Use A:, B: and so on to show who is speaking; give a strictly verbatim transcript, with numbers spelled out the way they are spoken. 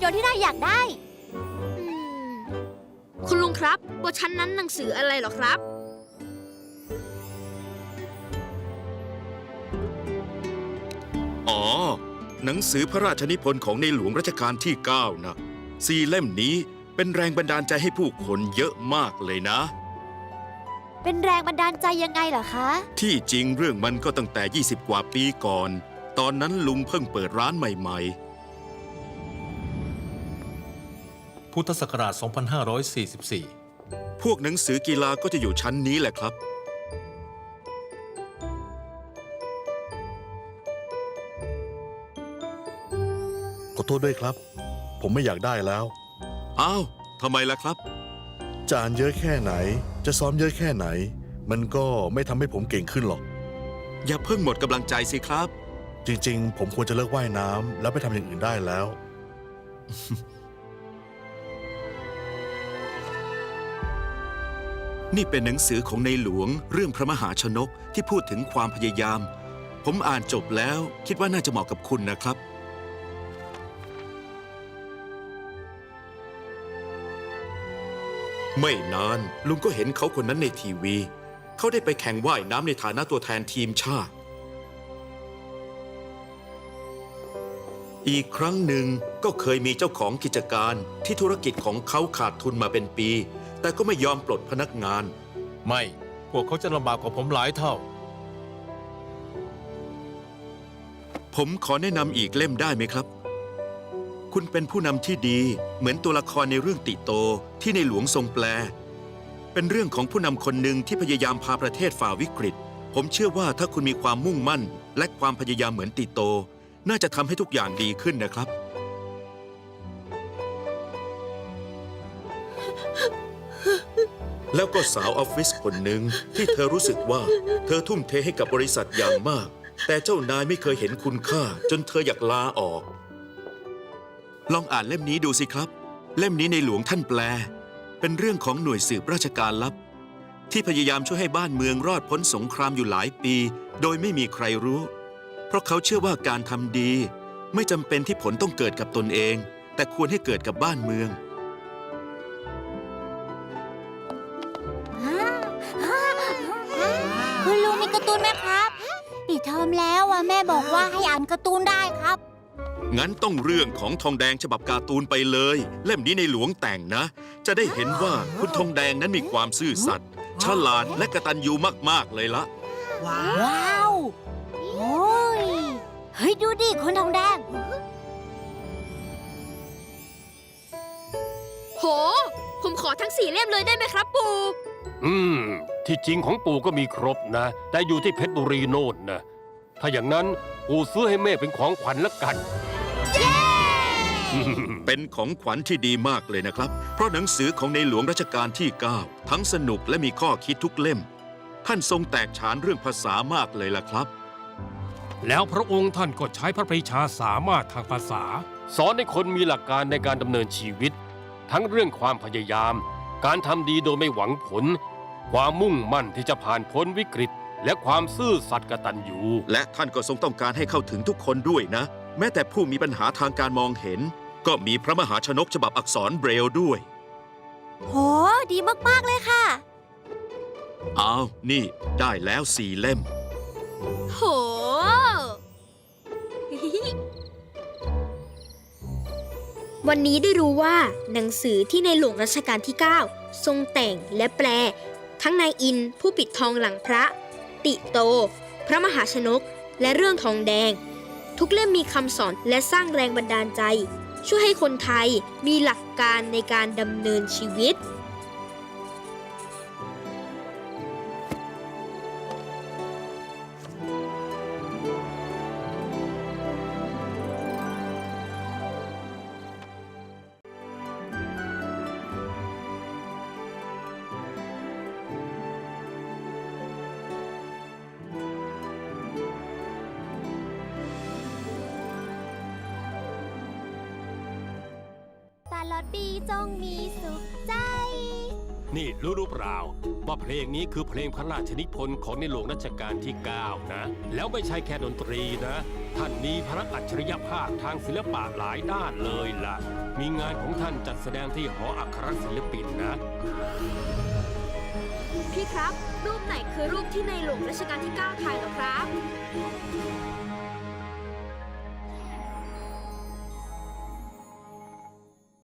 A: ยนต์ที่นายอยากได้อืม
B: คุณลุงครับบนชั้นนั้นหนังสืออะไรเหรอครับ
C: อ๋อหนังสือพระราชนิพนธ์ของในหลวงรัชกาลที่เก้านะสี่เล่มนี้เป็นแรงบันดาลใจให้ผู้คนเยอะมากเลยนะ
A: เป็นแรงบันดาลใจยังไงเหรอคะ
C: ที่จริงเรื่องมันก็ตั้งแต่ยี่สิบกว่าปีก่อนตอนนั้นลุงเพิ่งเปิดร้านใหม่
D: พุทธศักราช สองพันห้าร้อยสี่สิบสี่
C: พวกหนังสือกีฬาก็จะอยู่ชั้นนี้แหละครับ
E: ขอโทษด้วยครับผมไม่อยากได้แล้ว
C: อ้าวทำไมล่ะครับ
E: จะอ่านเยอะแค่ไหนจะซ้อมเยอะแค่ไหนมันก็ไม่ทำให้ผมเก่งขึ้นหรอก
C: อย่าเพิ่งหมดกำลังใจสิครับ
E: จริงๆผมควรจะเลิกว่ายน้ำแล้วไปทำอย่างอื่นได้แล้ว
C: นี่เป็นหนังสือของในหลวงเรื่องพระมหาชนกที่พูดถึงความพยายามผมอ่านจบแล้วคิดว่าน่าจะเหมาะกับคุณนะครับไม่นานลุงก็เห็นเขาคนนั้นในทีวีเขาได้ไปแข่งว่ายน้ำในฐานะตัวแทนทีมชาติอีกครั้งหนึ่งก็เคยมีเจ้าของกิจการที่ธุรกิจของเขาขาดทุนมาเป็นปีแต่ก็ไม่ยอมปลดพนักงาน
D: ไม่พวกเขาจะลำบากกว่าผมหลายเท่า
C: ผมขอแนะนำอีกเล่มได้ไหมครับคุณเป็นผู้นำที่ดีเหมือนตัวละครในเรื่องติโตที่ในหลวงทรงแปลเป็นเรื่องของผู้นำคนหนึ่งที่พยายามพาประเทศฝ่าวิกฤตผมเชื่อว่าถ้าคุณมีความมุ่งมั่นและความพยายามเหมือนติโตน่าจะทำให้ทุกอย่างดีขึ้นนะครับแล้วก็สาวออฟฟิศคนหนึ่งที่เธอรู้สึกว่าเธอทุ่มเทให้กับบริษัทอย่างมากแต่เจ้านายไม่เคยเห็นคุณค่าจนเธออยากลาออกลองอ่านเล่มนี้ดูสิครับเล่มนี้ในหลวงท่านแปลเป็นเรื่องของหน่วยสืบราชการลับที่พยายามช่วยให้บ้านเมืองรอดพ้นสงครามอยู่หลายปีโดยไม่มีใครรู้เพราะเขาเชื่อว่าการทำดีไม่จำเป็นที่ผลต้องเกิดกับตนเองแต่ควรให้เกิดกับบ้านเมือง
A: คุณลุงมีการ์ตูนไหมครับปิดเทอมแล้วอ่ะแม่บอกว่าให้อ่านการ์ตูนได้ครับ
C: งั้นต้องเรื่องของทองแดงฉบับการ์ตูนไปเลยเล่มนี้ในหลวงแต่งนะจะได้เห็นว่าคุณทองแดงนั้นมีความซื่อสัตย์ฉลาดและกตัญญูมากๆเลยละ
A: ว้าวโอ้ยเฮ้ยดูดิคุณทองแดง
B: โหผมขอทั้งสี่เล่มเลยได้ไหมครับปู่
F: อืมที่จริงของปู่ก็มีครบนะแต่อยู่ที่เพชรบุรีโน่นนะถ้าอย่างนั้นปู่ซื้อให้แม่เป็นของขวัญละกัน
C: เป็นของขวัญที่ดีมากเลยนะครับเพราะหนังสือของในหลวงรัชกาลที่เก้าทั้งสนุกและมีข้อคิดทุกเล่มท่านทรงแตกฉานเรื่องภาษามากเลยล่ะครับ
G: แล้วพระองค์ท่านก็ใช้พระปรีชาสามารถทางภาษา
F: สอนให้คนมีหลักการในการดำเนินชีวิตทั้งเรื่องความพยายามการทำดีโดยไม่หวังผลความมุ่งมั่นที่จะผ่านพ้นวิกฤตและความซื่อสัตย์กตัญญู
C: และท่านก็ทรงต้องการให้เข้าถึงทุกคนด้วยนะแม้แต่ผู้มีปัญหาทางการมองเห็นก็มีพระมหาชนกฉบับอักษรเบรลด้วย
A: โหดีมากๆเลยค่ะ
C: อ้าวนี่ได้แล้วสี่เล่ม
B: โหวันนี้ได้รู้ว่าหนังสือที่ในหลวงรัชกาลที่เก้าทรงแต่งและแปลทั้งนายอินผู้ปิดทองหลังพระติโตพระมหาชนกและเรื่องทองแดงทุกเล่มมีคำสอนและสร้างแรงบันดาลใจช่วยให้คนไทยมีหลักการในการดำเนินชีวิต
A: ตลอดปีจงมีสุขใจ
F: นี่รู้หรือเปล่าว่าเพลงนี้คือเพลงพระราชนิพนธ์ของในหลวงรัชกาลที่ เก้า นะ แล้วไม่ใช่แค่ดนตรีนะ ท่านมีพระอัจฉริยภาพทางศิลปะหลายด้านเลยล่ะ มีงานของท่านจัดแสดงที่หออัครศิลปินนะ
B: พี่ครับ รูปไหนคือรูปที่ในหลวงรัชกาลที่ เก้า ถ่ายเหรอครับ